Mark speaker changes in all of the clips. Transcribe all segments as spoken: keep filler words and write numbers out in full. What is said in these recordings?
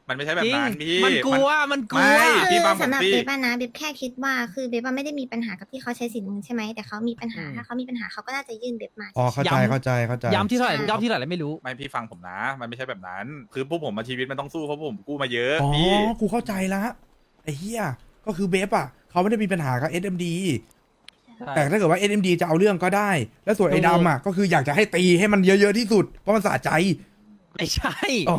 Speaker 1: มันไม่ใช่แบบนั้นพี่
Speaker 2: มันกลัวมันกลัว
Speaker 1: ไม่ พี่
Speaker 3: คือ
Speaker 1: ฟังผม
Speaker 3: สำหรับ
Speaker 1: สิ
Speaker 3: เบบอะนะเบบแค่คิดว่าคือเบบอะไม่ได้มีปัญหากับที่เขาใช้สินเงินใช่ไหมแต่เขามีปัญหา
Speaker 2: อืม
Speaker 3: ถ้าเขามีปัญหาเขาก็น่าจะยื่นเบบมา
Speaker 4: อ๋อเข้าใจ
Speaker 2: ย้ำ
Speaker 4: เข้าใจเข้าใจ
Speaker 2: ย้ำที่เท่าไหร่
Speaker 3: ใช่
Speaker 2: ย้ำที่เท่าไหร่ไม่รู้
Speaker 1: ไม่พี่ฟังผมนะ มันไม่ใช่แบบนั้น คือพวกผมมาชีวิตมันต้องสู้เพราะผมกู้มาเยอะ
Speaker 4: อ๋อ
Speaker 1: พี่
Speaker 4: กูเข้าใจละไอ้เหี้ยก็คือเบฟอ่ะเขาไม่ได้มีปัญหากับ เอส เอ็ม ดี แต่ถ้าเกิดว่า เอส เอ็ม ดี จะเอาเรื่องก็ได้ แล้วส่วนไอ้ดำอ่ะก็คืออยากจะให้ตีให้มันเยอะๆที่สุดเพราะมันสะใจ
Speaker 2: ไม่ใช่
Speaker 4: อ๋อ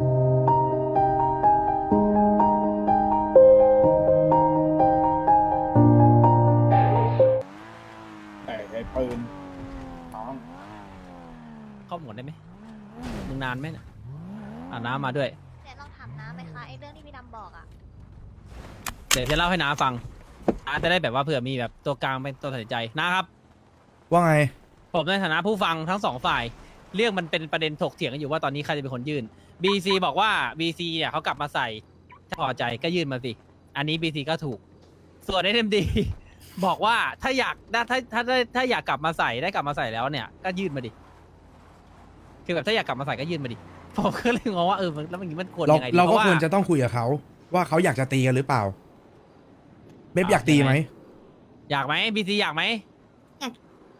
Speaker 5: แต่ไอ้ปืนน้อง
Speaker 2: เข้าหมดได้ไหมมึงนานไหมเนี่ยอ่าน้ำมาด้วย
Speaker 3: แต่ลองถามน้าไหมคะไอ้เรื่องที่พี่ดำบอกอะ
Speaker 2: เดี๋ยวจะเล่าให้น้าฟังน้าจะได้แบบว่าเผื่อมีแบบตัวกลางเป็นตัวตัดสินใจนะครับ
Speaker 4: ว่าไง
Speaker 2: ผมในฐานะผู้ฟังทั้งสองฝ่าย เรื่องมันเป็นประเด็นถกเถียงกันอยู่ว่าตอนนี้ใครจะเป็นคนยื่น บี ซี บอกว่า บี ซี เนี่ยเขากลับมาใส่ถ้าพอใจก็ยื่นมาสิ อันนี้ บี ซี ก็ถูก ส่วน เอส เอ็ม ดี บอกว่าถ้าอยากถ้าถ้าถ้าถ้าถ้าอยากกลับมาใส่ได้กลับมาใส่แล้วเนี่ยก็ยื่นมาดิคือแบบถ้าอยากกลับมาใส่ก็ยื่นมาดิผมก็เลยงงว่าเออมันแล้วมันมันควร
Speaker 4: เรา
Speaker 2: ยังไงดี
Speaker 4: เรา
Speaker 2: เพ
Speaker 4: ก็
Speaker 2: ราะว่า
Speaker 4: ควรจะต้องคุยกับเขาว่าเขาอยากจะตีกันหรือเปล่า เบฟอยากตีไหม
Speaker 2: อยากไหม บี ซี อยากไหม
Speaker 3: อยาก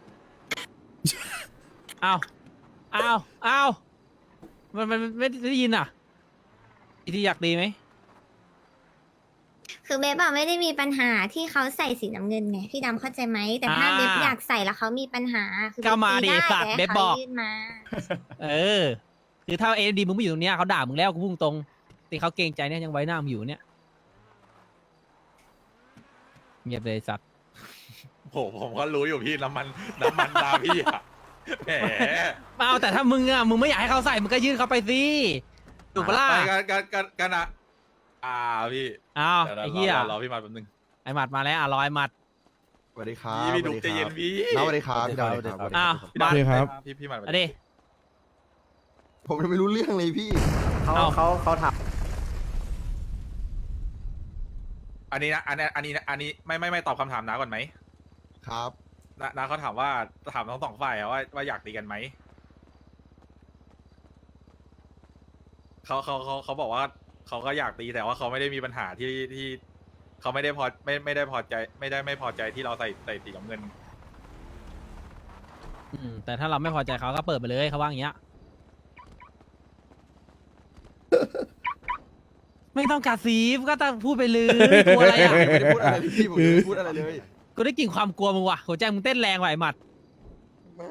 Speaker 2: อ้าวอ้าวอ้าวมันมันมันไม่ได้ยินอ่ะบี ซี อยากตีไหม
Speaker 3: คือเบบอะไม่ได้มีปัญหาที่เขาใส่สีน้ำเงินไงพี่ดำเข้าใจไหมแต่ถ้า
Speaker 2: อ่า
Speaker 3: เบบอยากใส่แล้วเขามีปัญหาคือ
Speaker 2: ก็มาดิ
Speaker 3: เบ
Speaker 2: สัตว์
Speaker 3: ตีได้
Speaker 2: เบบบอก
Speaker 3: แต่ให้ขายื่นมา
Speaker 2: เออ คือถ้าเอ็ดีมึงไม่อยู่ตรงเนี้ยเขาด่ามึงแล้วกูพุ่งตรงตีเขาเกรงใจเนี่ยยังไว้หน้ามึงอยู่เนี่ยเงียบเลยสัตว์
Speaker 1: โหผมก็รู้อยู่พี่น้ำมันน้ำมันตาพี่อะแหม
Speaker 2: เอาแต่ถ้ามึงอ่ะมึงไม่อยากให้เขาใส่มึงก็ยื่นเขาไปสิถูกปะล่ะ
Speaker 1: ไปกันกันกันกันอะอ่าพี่
Speaker 2: อ้าว
Speaker 1: ดี๋ว
Speaker 2: ไอ้เหี้ย
Speaker 1: รอรอพี่มาแป๊บนึง
Speaker 2: ไอ้หมัดมาแล้วอ่ะรอยหมัด
Speaker 6: สวัสดีครับ
Speaker 1: พี่พี่ดุ
Speaker 6: สวัส
Speaker 1: ใจ
Speaker 6: ดี
Speaker 1: เย็
Speaker 6: คน รับ
Speaker 1: พี่
Speaker 6: น้าสวัสดีครับพี่ดาวสวัสดีครับ
Speaker 2: อ้าว
Speaker 1: พี่
Speaker 2: มา
Speaker 1: ดำ
Speaker 4: โอเคครับ
Speaker 1: พี่พี่มา
Speaker 2: เอาดิ
Speaker 6: ผมยังไม่รู้เรื่องเลยพี่
Speaker 2: เขาเขาเขาถาม
Speaker 1: อันนี้นะอันนี้อันนี้อันนี้ไม่ไม่ไม่ตอบคำถามน้าก่อนไหม
Speaker 6: ครับ
Speaker 1: น้าน้าเขาถามว่าถามทั้งสองฝ่ายอะว่าว่าอยากตีกันไหมเขาเขาเขาเขาบอกว่าเขาก็อยากตีแต่ว่าเขาไม่ได้มีปัญหาที่ที่เขาไม่ได้พอไม่ไม่ได้พอใจ ไม่ได้ไม่พอใจที่เราใส่ใส่สีน้ำเงิน
Speaker 2: อืมแต่ถ้าเราไม่พอใจเขาก็เปิดไปเลยเขาว่าอย่างเงี้ย ไม่ต้องกระซีฟก็ต้องพูดไปเลยกลัวอะไรอ่ะ
Speaker 6: ผมไม่ได้พูดอะไรเลยพี่ผมยังไม่ได้พูดอะไรเลย
Speaker 2: กูได้กลิ่นความกลัวมึงว่ะหัวใจมึงเต้นแรงว่ะไอ้หมัด
Speaker 6: ไม่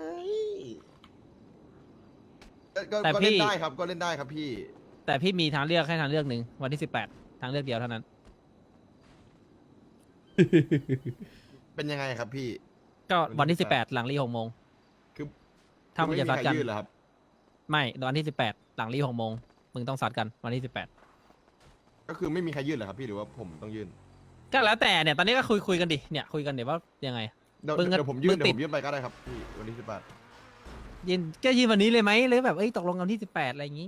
Speaker 6: ก็ก็
Speaker 2: แต่
Speaker 6: ก็
Speaker 2: พี่
Speaker 6: เล่นได้ครับก็เล่นได้ครับพี่
Speaker 2: แต่พี่มีทางเลือกแค่ทางเลือกหนึ่งวันที่สิบแปดทางเลือกเดียวเท่านั้น
Speaker 6: เป็นยังไงครับพี่
Speaker 2: ก็วันที่
Speaker 6: วันที่
Speaker 2: สิบแปดหลังรีหกโมง
Speaker 6: คือ
Speaker 2: ถ้ามึงจะซัดกัน
Speaker 6: ไม่มีใครยื่นเหรอครับ
Speaker 2: ไม่วันที่สิบแปดหลังรีหกโมงมึงต้องซัดกันวันที่สิบแปด
Speaker 6: ก็คือไม่มีใครยื่นเหรอครับพี่หรือว่าผมต้องยื่น
Speaker 2: ก็แล้วแต่เนี่ยตอนนี้ก็คุยคุยกันดิเนี่ยคุยกันเดี๋ยวว่ายังไง
Speaker 6: เดี๋ยว
Speaker 2: มึงก็
Speaker 6: เดี๋ยวผมยื่
Speaker 2: มึ
Speaker 6: น
Speaker 2: ง
Speaker 6: เดี๋ยว
Speaker 2: ติด
Speaker 6: ผมยื่นไปก็ได้ครับพี่วันที่สิบแปด
Speaker 2: ยินก็ยินวันนี้เลยไหมหรือแบบเอ้ยตกลงกันที่สิบแปดอะไรอย่างงี้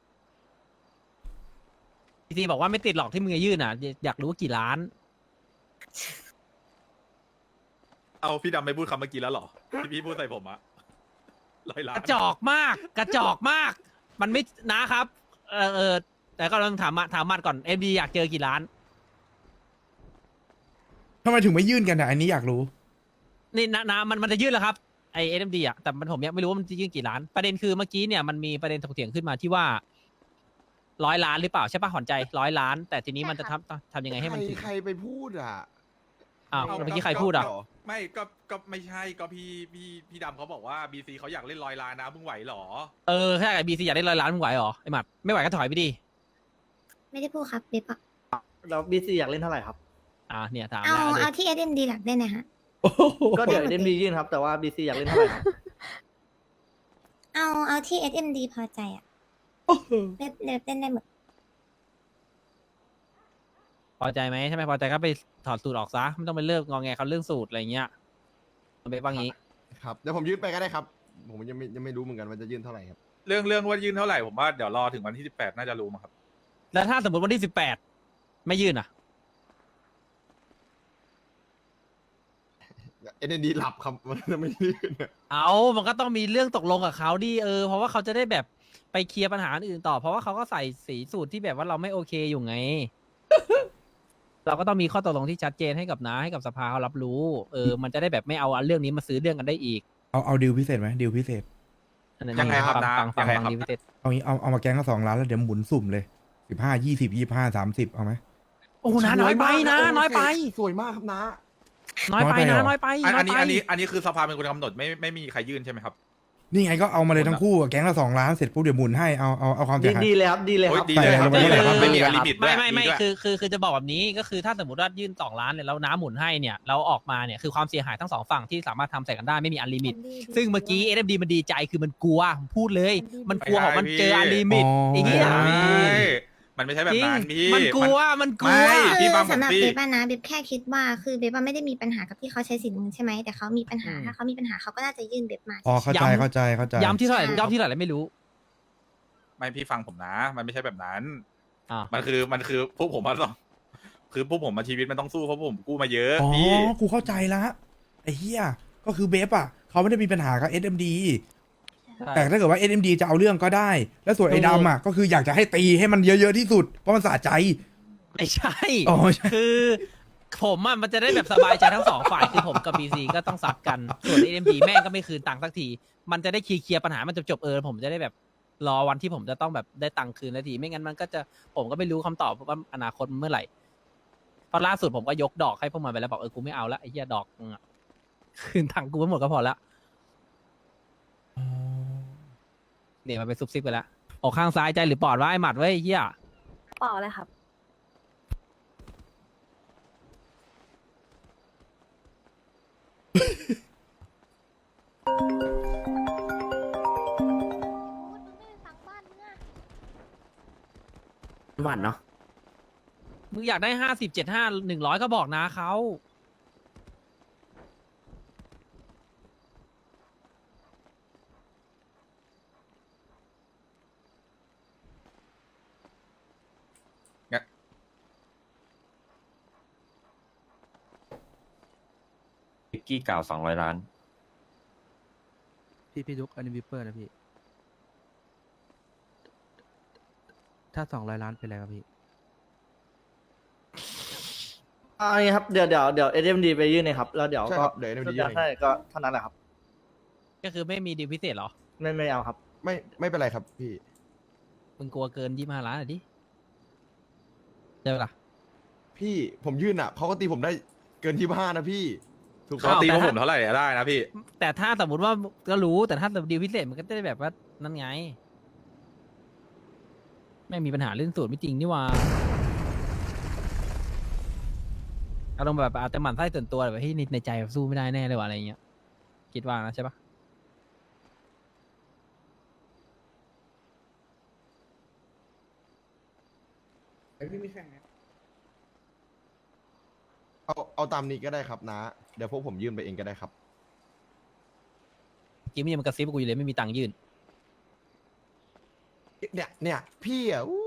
Speaker 2: พีทีบอกว่าไม่ติดหรอกที่มึงจะยื่นอ่ะอยากรู้ว่ากี่ล้าน
Speaker 1: เอาพี่ดำไม่พูดคำเมื่อกี้แล้วเหรอที่พี่พูดใส่ผมอะร้อยล้าก น
Speaker 2: ระจอกมาก กระจอกมาก มันไม่นะครับ เออเออแต่ก็ลองถามมาถามมัดก่อนเอ็มดีอยากเจอกี่ล้าน
Speaker 4: ทำไมถึงไม่ยื่นกันอ่ะอันนี้อยากรู้
Speaker 2: นี่นะนะมันมันจะยื่นแล้วครับไอเอ็มดีอ่ะแต่มันผมยังไม่รู้ว่ามันจะยื่นกี่ล้าน ประเด็นคือเมื่อกี้เนี่ยมันมีประเด็นถกเถียงขึ้นมาที่ว่าร้อยล้านหรือเปล่าใช่ป่ะหอนใจร้อยล้าน แต่ทีนี้มันจะทำทำยังไงให้มัน
Speaker 6: ใคร
Speaker 2: ถึง
Speaker 6: ใครไปพูดอ่ะ
Speaker 2: อ้าว
Speaker 1: เอา
Speaker 2: แล้วเมื่อกี้ใครพูดอ่ะ
Speaker 1: ไม่ก็ก็ไม่ใช่ก็พี่พี่พี่ดำเขาบอกว่าบีซีเขาอยากเล่นร้อยล้านนะมึงไหวเหรอ
Speaker 2: เออถ้าไอบีซีอยากได้ร้อยล้านมึงไหวเหรอไอหมัดไม่ไหวก็ถอยไปดิ
Speaker 3: ไม่ได้พูดครับเบบอะ
Speaker 7: แล้วบีซีอยากเล่นเท่าไหร่ครับ
Speaker 2: อ่าเนี่ยถาม
Speaker 3: เอา
Speaker 2: แล้ว
Speaker 3: เอา
Speaker 2: ดิ
Speaker 3: ที่เอสเอ็มดีหลักได้นะฮะ
Speaker 7: ก็เดี๋ยวเล่นบียื่นครับ แต่ว่าบีซีอยากเล่นเท่าไหร่ครับ
Speaker 3: เอาเอาที่เอสเอ็มดีพอใจอะเบบเบบเล่นได้หมด
Speaker 2: พอใจไหมถ้าไม่พอใจก็ไปถอดสูตรออกซะไม่ต้องไปเลิกงอแงเขาเรื่องสูตรอะไรเงี้ยมันเป็นว่างี้
Speaker 6: ครับเดี๋ยวผมยื่นไปก็ได้ครับ ผมยังไม่ยังไม่รู้เหมือนกันว่าจะยื่นเท่าไหร่ครับ
Speaker 1: เรื่องเรื่องว่ายื่นเท่าไหร่ผมว่าเดี๋ยวรอถึงวันที่สิบแปดน่าจะรู้มั้งครับ
Speaker 2: แล้วถ้าสมมติวันที่สิบแปดไม่ยื่นอ่ะ
Speaker 6: เอ็นดีหลับครับ มันจะไม่ยื่นอะ
Speaker 2: เอามันก็ต้องมีเรื่องตกลงกับเขาดิเออเพราะว่าเขาจะได้แบบไปเคลียร์ปัญหาอื่นต่อ เพราะว่าเขาก็ใส่สีสูตรที่แบบว่าเราไม่โอเคอยู่ไง เราก็ต้องมีข้อตกลงที่ชัดเจนให้กับน้าให้กับสภาเขารับรู้เออมันจะได้แบบไม่เอาเรื่องนี้มาซื้อเรื่องกันได้อีก
Speaker 4: เอาเอาดีลพิเศษไหมดีลพิเศษ
Speaker 2: อันนั้น
Speaker 1: ยังไงครับ
Speaker 2: ฟั
Speaker 1: น้า
Speaker 2: ฟังฟั
Speaker 1: ยัง งไง
Speaker 2: ฟัง
Speaker 1: ครับ
Speaker 2: ดีพิเศษ
Speaker 4: เอางี้เอาเอามาแกงก็สองล้านแล้วเดี๋ยวหมุนสุ่มเลยสิบห้ายี่สิบยี่ห้าสามสิบเอาไหม
Speaker 2: โอ้น้าน้อยไปนะน้อยไป
Speaker 6: สวยมากครับนะ
Speaker 2: น้อยไปนะน้อยไป
Speaker 1: อัน
Speaker 2: น้อ
Speaker 1: อั
Speaker 2: ย
Speaker 1: นนี้
Speaker 2: ไป
Speaker 1: อันนี้อันนี้คือสภาเป็นคนกำหนดไม่ไม่มีใครยื่นใช่ไหมครับ
Speaker 4: นี่ไงก็เอามาเลยทั้งคู่อะแก๊งละสองล้านเสร็จปุ๊บเดี๋ยวหมุนให้เอาเอาเอาความเสี
Speaker 7: ดี
Speaker 4: ยหาย
Speaker 7: ดีเลยครับดีเลยครับ
Speaker 1: โอ้ยดีเลยครับ
Speaker 4: ใส่
Speaker 1: ดีเลยครับ
Speaker 4: ลงไป
Speaker 1: ไม่มี
Speaker 4: เลย
Speaker 1: ลิมิตด้ว
Speaker 2: ไม่
Speaker 1: ย
Speaker 2: ไม่ไม่
Speaker 1: ดีด้วย
Speaker 2: คือคือคือจะบอกแบบนี้ก็คือถ้าสมมติว่ายื่นสองล้านเนี่ยแล้วน้าหมุนให้เนี่ยเราออกมาเนี่ยคือความเสียหายทั้งสองฝั่งที่สามารถทำใส่กันได้ไม่มีอันลิมิต ซึ่งเมื่อกี้ เอ เอ็ม ดี มันดีใจคือมันกลัวผมพูดเลย มันกลัวของมันเจออันลิมิต
Speaker 4: อ๋อ
Speaker 2: ไอ้เหี้ย
Speaker 1: ไม่มันไม่ใช่แบบ
Speaker 2: จริง
Speaker 1: นั้นพี่
Speaker 2: มันกลัวมันกลัว
Speaker 1: ไม่
Speaker 3: คื
Speaker 1: พี่
Speaker 3: อ
Speaker 1: ฟังผม
Speaker 3: สำหรับ
Speaker 1: สิ
Speaker 3: เบบอะนะเบบแค่คิดว่าคือเบบอะไม่ได้มีปัญหากับที่เขาใช้สินมึงใช่ไหมแต่เขามีปัญหา
Speaker 2: อืม
Speaker 3: ถ้าเขามีปัญหาเขาก็น่าจะยื่นเบบมา
Speaker 4: อ๋อเข้าใจ
Speaker 2: ย้ำ
Speaker 4: เข้าใจเข้าใจ
Speaker 2: ย้ำที่เท่าไหร่ย้ำที่เท่าไหร่ไม่รู้
Speaker 1: ไม่พี่ฟังผมนะ มันไม่ใช่แบบนั้น
Speaker 2: อ่า
Speaker 1: มันคือมันคือพวกผมมาต้องคือพวกผมมาชีวิตมันต้องสู้เพราะผมกู้มาเยอะ
Speaker 4: อ๋อ
Speaker 1: พี่
Speaker 4: กูเข้าใจละไอ้เหี้ยก็คือเบฟอ่ะเขาไม่ได้มีปัญหากับ เอส เอ็ม ดี แต่ถ้าเกิดว่า เอส เอ็ม ดี จะเอาเรื่องก็ได้ แล้วส่วนไอ้ดำอ่ะก็คืออยากจะให้ตีให้มันเยอะๆที่สุดเพราะมันสะใจ
Speaker 2: ไม่ใช่
Speaker 4: อ๋อใช่
Speaker 2: คือผมอ่ะมันจะได้แบบสบายใจทั้งสองฝ่ายคือผมกับ บี ซี ก็ต้องซัดกันส่วน เอ็ม ดี แม่งก็ไม่คืนตังค์สักทีมันจะได้เคลียร์ปัญหามันจบจบๆเออผมจะได้แบบรอวันที่ผมจะต้องแบบได้ตังค์คืนนาทีไม่งั้นมันก็จะผมก็ไม่รู้คำตอบว่าอนาคตมันเมื่อไหร่เพราะล่าสุดผมก็ยกดอกให้พวกมันไปแล้วบอกเออกูไม่เอาละไอ้เหี้ยดอกมึงอะคืนตังค์กูไปหมดก็พอละเนี่ยมันไปซุบซิบไปแล้วออกข้างซ้ายใจหรือปอดว่าไอ้หมัดไว้ยไอ้เหี้ย
Speaker 8: เปล่าเลยครับ
Speaker 7: หวานเนาะ
Speaker 2: มึงอยากได้ห้าสิบเจ็ดห้าหนึ่งร้อยก็บอกนะเขา
Speaker 9: วิกกี้กล่าวสองร้อยล้าน
Speaker 10: พี่พี่ดุกอันนี้วิปเปอร์นะพี่ ถ้าสองร้อยล้านเป็นไรครับพี่
Speaker 7: อ่าอย่างงี้ครับเดี๋ยวเดี๋ยวเดี๋ยวเอ็มดีไปยื่นเลยครับแล้วเดี๋ยว
Speaker 6: ใช่
Speaker 7: ก็
Speaker 6: ครับเดี๋ยว เอ็ม ดียื่นเอง
Speaker 7: ใช่ก็เท่านั้นแหละครับ
Speaker 2: ก็คือไม่มีดีลพิเศษเหรอ
Speaker 7: ไม่ไม่เอาครับ
Speaker 6: ไม่ไม่เป็นไรครับพี่
Speaker 2: มึงกลัวเกินยี่ห้าล้านอ่ะดิใช่ปะล่ะ
Speaker 6: พี่ผมยื่นอ่ะเขาก็ตีผมได้เกินยี่ห้านะพี่ ถูก
Speaker 1: เขา
Speaker 6: ต้อง
Speaker 1: ตี
Speaker 2: แต่
Speaker 1: พวก
Speaker 2: ถ้า
Speaker 1: ผมเท่าไหร่ได้นะพี่
Speaker 2: แต่ถ้าสมมติว่าก็รู้แต่ถ้าดีลพิเศษมันก็จะได้แบบว่านั่นไง ไม่มีปัญหาเรื่องสูตรไม่จริงนี่หว่าอารมณ์แบบอาจจะหมั่นไส้ส่วนตัวแบบที่ในใจแบบสู้ไม่ได้แน่เลยว่ะอะไรเงี้ยคิดว่านะใช่ปะ
Speaker 6: เอาเอาตามนี้ก็ได้ครับนะ เดี๋ยวพวกผมยื่นไปเองก็ได้ครับ
Speaker 2: กิมมี่มันกระซิบกูอยู่เลยไม่มีตังค์ยื่น
Speaker 6: เนี่ยเนี่ยพี่อ่ะอู้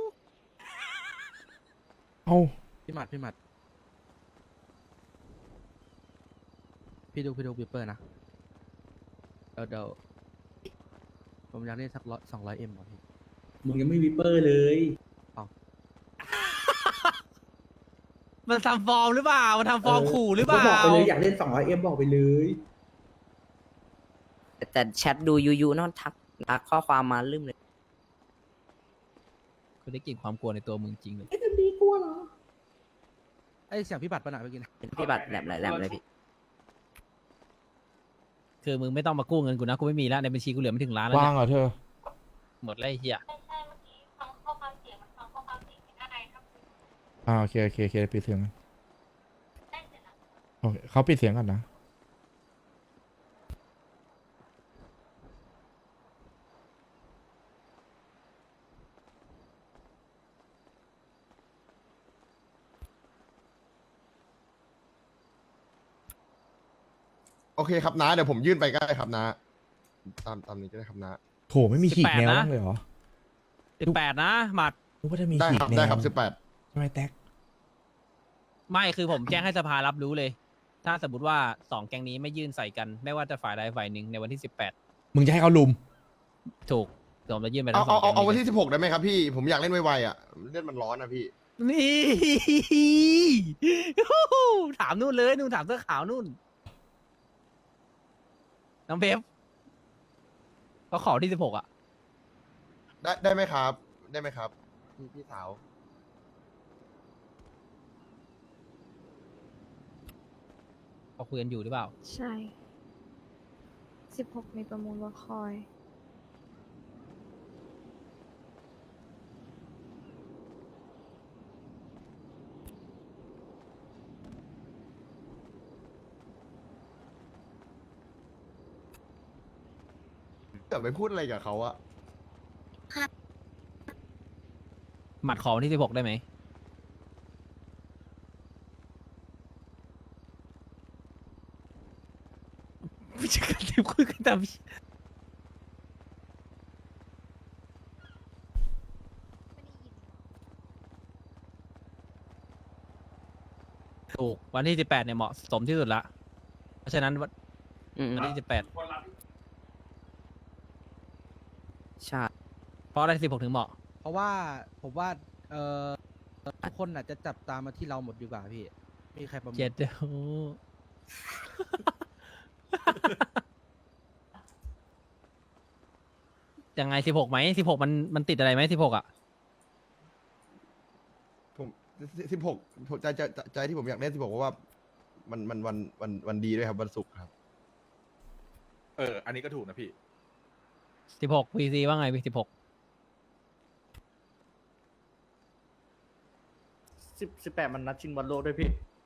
Speaker 4: เอา
Speaker 10: พี่หมัดพี่หมัด พี่ดุกพี่ดุกวิปเปอร์นะ เดี๋ยวเดี๋ยวผมอยากได้สักร้อยสองร้อยเอ็มก่อนพี่
Speaker 5: มึงยังไม่วิปเปอร์เลย
Speaker 2: มันทำฟอร์มหรือเปล่ามันทำฟอร์มขู่หรือเปล่า
Speaker 5: บอกไปเลยอยากเล่นสองร้อยเอ็มบอกไปเลย
Speaker 8: แต่แชทดูยูยูเนอะทักทักข้อความมาลืมเลย
Speaker 2: คุณได้กลิ่นความกลัวในตัวมึงจริงเลย
Speaker 10: ไอยเสียงพี่บัตรปะหนาเมื่อกี้นะ
Speaker 8: เป็นพี่บัตรแหลมแหลมแหลมเลยพี่
Speaker 2: คือมึงไม่ต้องมากู้เงินกูนะกูไม่มีแล้วในบัญชีกูเหลือไม่ถึงล้านแล้ว
Speaker 4: ว่าง
Speaker 2: เนี่ย
Speaker 4: เหรอเธอ
Speaker 2: หมดแล้วไอ้เหี้ย
Speaker 4: อ่าโอเคโอเคโอเคปิดเสียงกันโอเคเขาปิดเสียงก่อนนะ
Speaker 6: โอเคครับนะเดี๋ยวผมยื่นไปก็ได้ครับนะ ตามตามนี้ก็ได้ครับนะ
Speaker 4: โถไม่มีขีดแนวบ้างเลยเหรอ
Speaker 2: สิบแปดนะหมัด
Speaker 4: นึกว่าจะมี
Speaker 6: ได้
Speaker 4: ขี
Speaker 6: ค
Speaker 4: ด
Speaker 6: รับ
Speaker 4: แนว
Speaker 6: ได้ครับสิบแปด
Speaker 4: ใช่ไหมแท็ก
Speaker 2: ไม่คือผมแจ้งให้สภารับรู้เลย ถ้าสมมติว่าสองแก๊งนี้ไม่ยื่นใส่กัน ไม่ว่าจะฝ่ายใดฝ่ายหนึ่งในวันที่สิบแปด
Speaker 4: มึงจะให้เขาลุม
Speaker 2: ถูกผมจะยื่นไป
Speaker 6: เอา
Speaker 2: ทั้งสอ
Speaker 6: เอา
Speaker 2: ง
Speaker 6: เอาเอาวัน
Speaker 2: แก๊ง
Speaker 6: ที่สิบหกได้ไหมครับพี่ ผมอยากเล่นไวๆอ่ะเล่นมันร้อนนะพี่
Speaker 2: นี่ ถามนู่นเลยนู่นถามเสื้อขาวนู่นน้องเพฟก็ขอที่สิบหกอ่ะ
Speaker 6: ได้ได้ไหมครับ ได้ไหมครับพี่พี่สาว
Speaker 2: เขาคุยกันอยู่หรือเปล่า
Speaker 3: ใช่สิบหกมีประมูลวัคคอย
Speaker 6: เกิดไปพูดอะไรกับเขาอะ
Speaker 2: หมัดขอวันที่สิบหกได้ไหมไม่ใช่การที่คุยกันตามถูกวันที่สิบแปดเนี่ยเหมาะสมที่สุดละเพราะฉะนั้นวัน
Speaker 8: อืม
Speaker 2: วันที่สิบแปด
Speaker 8: ใช่
Speaker 2: เพราะอะไรสิบหกถึงเหมาะ
Speaker 10: เพราะว่าผมว่าเอ่อทุกคนอาจจะจับตามมาที่เราหมดดีกว่าพี่มีใครประมูล
Speaker 2: เจ็ดโอ้ ยังไงสิบหกไหมสิบหกมันมันติดอะไรไหมสิบหกอ่ะ
Speaker 6: ผมสิบหกใจใจใจใจที่ผมอยากเล่นสิบหกเพราะว่า มันมันวันวันวันดีด้วยครับวันศุกร์ครับ
Speaker 1: เออ อันนี้ก็ถูกนะพี่
Speaker 2: สิบหกพีซีว่าไงพี่สิบหก
Speaker 7: สิบสิบแปดมันนัดชิงบอลโลกด้วยพี่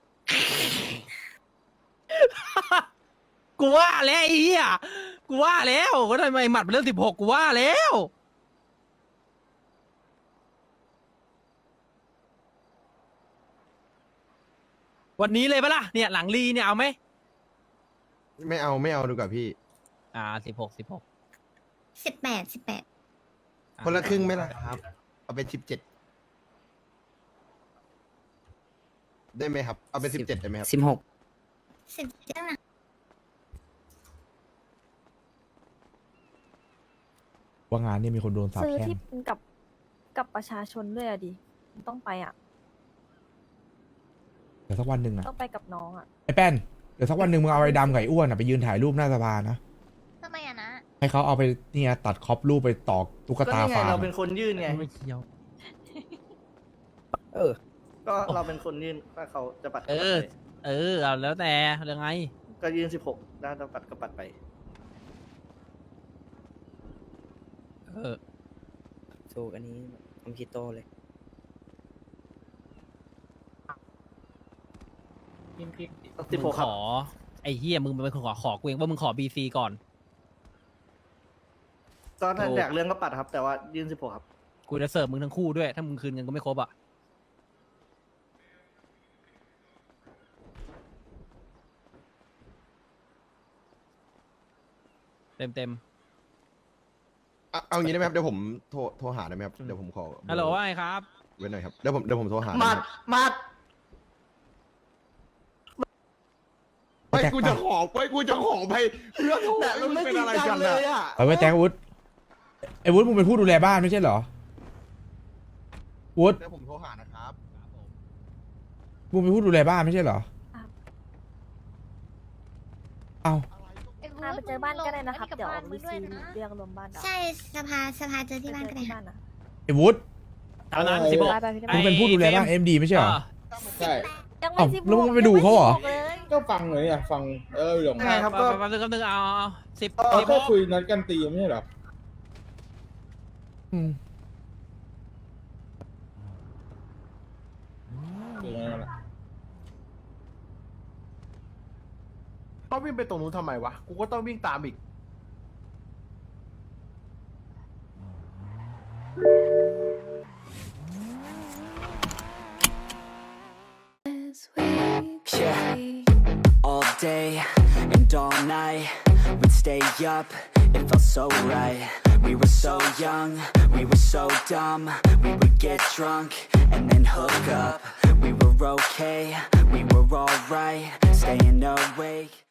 Speaker 2: กูว่าแล้วไอ้เหี้ยกูว่าแล้วก็ทำไมหมัดเป็นเรื่องสิบหกกูว่าแล้ว วันนี้เลยปะล่ะเนี่ยหลังรีเนี่ยเอาไหม
Speaker 6: ไม่เอาไม่เอาดีกว่าพี่
Speaker 2: อ่าสิบหกสิบหก
Speaker 3: สิบแปดสิบแปด
Speaker 6: คนละครึ่งไหมล่ะครับ เอาเป็นสิบเจ็ดได้ไหมครับ เอาเป็นสิบเจ็ดได้ไหมครับ
Speaker 8: สิบหก
Speaker 3: สิบเจ็ดนะ
Speaker 4: ว่างานเนี่ยมีคนโดนสาป
Speaker 3: ซื้อ
Speaker 4: แช่ง
Speaker 3: ที่กับกับประชาชนด้วยอะดิ ต้องไปอ่ะ
Speaker 4: เดี๋ยวสักวันหนึ่งอะ
Speaker 3: ต้องไปกับน้องอ่ะ
Speaker 4: ไอ้แป้นเดี๋ยวสักวันหนึ่งมึงเอาไอ้ดำกับไอ้อ้วนอะไปยืนถ่ายรูปหน้าสภานะ
Speaker 3: ทำไมอ่ะนะ
Speaker 4: ให้เขาเอาไปเนี่ยตัดคอปรูปไปตอกตุ๊ก
Speaker 7: ก็
Speaker 4: ตา
Speaker 7: นี่ไง
Speaker 4: ฟาร์
Speaker 7: เรา
Speaker 4: ม
Speaker 7: เป็นคนยื่นไง
Speaker 2: ไม่เกี่ยว
Speaker 8: เออ
Speaker 7: ก็เราเป็นคนยื่นถ้าเขาจะปัด
Speaker 2: เอ
Speaker 7: ก็ปัด
Speaker 2: อ
Speaker 7: ไป
Speaker 2: เออเอาแล้วแต่เรื่องไง
Speaker 7: ก็ยื่นสิบหกด้านจะปัดก็ปัดไป
Speaker 2: เออ
Speaker 8: ถูกอันนี้ผมคิดโตเลย
Speaker 7: สิบหก
Speaker 2: มึง
Speaker 7: ค
Speaker 2: ข
Speaker 7: รับ
Speaker 2: อไอ้เฮียมึงเป็นคนขอขอกูเองว่ามึงขอบีซีก่อน
Speaker 7: ก็ถ้า
Speaker 2: ถูก
Speaker 7: อยากเรื่องก็ปัดครับ แต่ว่ายื่นสิบหกครับ
Speaker 2: กูจะเสิร์ฟมึงทั้งคู่ด้วย ถ้ามึงคืนเงินก็ไม่ครบอ่ะเต็มเต็ม
Speaker 6: เอาเอางี้ได้ไหมครับ เดี๋ยวผมโทรโทรหาได้ไหมครับ เดี๋ยวผมขอ
Speaker 2: ๆฮัลโหลว่าไงครับ
Speaker 6: ไว้หน่อยครับ เดี๋ยวผมเดี๋ยวผมโทรหาได้ไห
Speaker 7: มัด
Speaker 6: ครับ
Speaker 7: มัด
Speaker 6: ไปกูจะขอไปกูจะขอไปเพื่อนโทร
Speaker 7: แต่มันไม่
Speaker 6: เป็น
Speaker 7: จริ
Speaker 6: อะ
Speaker 7: ง
Speaker 6: ไร
Speaker 7: จั
Speaker 6: กั
Speaker 7: ง
Speaker 6: น
Speaker 7: เล
Speaker 6: อะ
Speaker 7: ยอ่ะ
Speaker 4: เอาไว้แตงวุฒไอ้วุฒมึงเป็นผู้ดูแลบ้านไม่ใช่เหรอวุฒ
Speaker 6: เดี๋ยวผมโทรหานะครับ
Speaker 4: มึงเป็นผู้ดูแลบ้านไม่ใช่เหรอเอา
Speaker 3: พาไปเจอบ้านก็ได้นะครับ เดี๋ยววิซีเรียกรวมบ้านใช่สภาสภาเจอที่บ้านก็ได้ค่ะ
Speaker 4: ไอ้วุฒ
Speaker 2: ตามนั้นสิบหก
Speaker 4: มึงเป็นผู้ดูแลบ้านเอ็มดีไม่ใช่เหรอ
Speaker 5: ใช่
Speaker 3: ยังไม่
Speaker 4: เอ้า
Speaker 3: สิบหก
Speaker 4: แล้วมึงไม่ไปดูเขาเหรอ
Speaker 3: ยังไม่สิบหกเลย
Speaker 5: ก็ฟังเลยอ่ะฟังเออหลง
Speaker 7: ยังไงครับก็
Speaker 2: แป๊บนึงแป๊บนึงเอาเอาสิบ
Speaker 5: เรา
Speaker 2: สิบห
Speaker 5: แค่
Speaker 2: ก
Speaker 5: คุยนัดกันตีไม่ใช่หรอ
Speaker 4: อืม
Speaker 5: คือไงล่ะ
Speaker 6: ต้องวิ่งไปตรงนู้นทำไมวะ กูก็ต้องวิ่งตามอีก
Speaker 11: Yeah, all day and all night we'd stay up, it felt so right. We were so young, we were so dumb. We would get drunk and then hook up. We were okay, we were alright, staying awake.